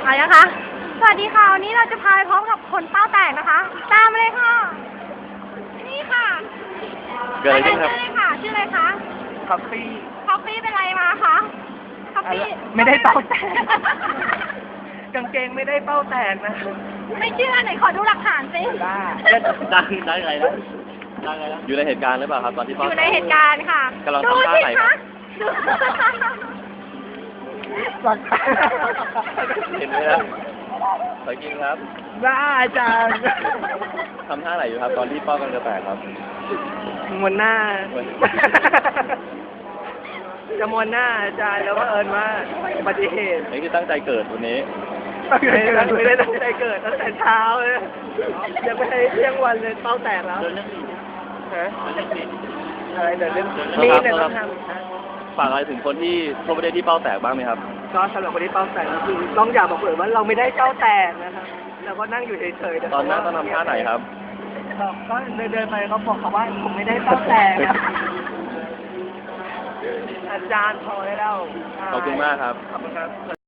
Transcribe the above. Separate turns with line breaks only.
มายังคะสวัสดีค่ะวันนี้เราจะพาไปพร้อมกับคนเป้าแตกนะคะ ตามมาเลยค่ะ นี่ค่ะ
เกิดอะไรขึ้นครับ
ชื่อเลยค่ะชื่ออะไรคะ
คอฟฟี่
คอฟฟี่เป็นไรมาคะคอฟฟี่
ไม่ได้เป้าแตก กางเกงไม่ได้เป้าแตกนะ
ไม่เชื่อไหนขอดูหลักฐานสิ
ได้ไงนะได้ไงนะ
อยู่ในเหตุการณ์หรือเปล่าครับตอนที่
อ
เป้า
ยู่ในเหตุการณ์ค่ะ
กำลัง
ดู
ทำท่า
สิ
ไหนค
คะ
รับ
ดู
เห็นไหมครับสวยจริงครับ
บ้าจัง
ทำท่าไหนอยู่ครับตอนที่เป้ากำลังจะแตกครับ
มวนหน้า จะมวนหน้าอาจารย์แล้วก็เอิญว่าอุบัติเหตุ
นี่คือตั้งใจเกิดวันนี้
ไม่ได้ตั้งใจเกิดตั้งแต่เช้าเลยยังไม่ได้เที่ยงวันเลยเป้าแตกแล้วฮะอะไรเดี๋ยวเรื่องมีเนี่ยต้องทำ
ฝากอะไรถึงคนที่ทั่วประเทศที่เป้าแตกบ้างไหมครับ
ก็สำหรับคนที่เป้าแตกก็คือต้องอยากบอกเลยว่าเราไม่ได้เป้าแตกนะครับเราก็นั่งอยู่เฉยๆ
ตอนนั้นต้องทำท่าไหนครับ
ก็เดินไปเขาบอกเขาว่าผมไม่ได้เป้าแตกนะอาจารย์พอได้แล้ว
ขอบคุณมากครับ
ขอบคุณครับ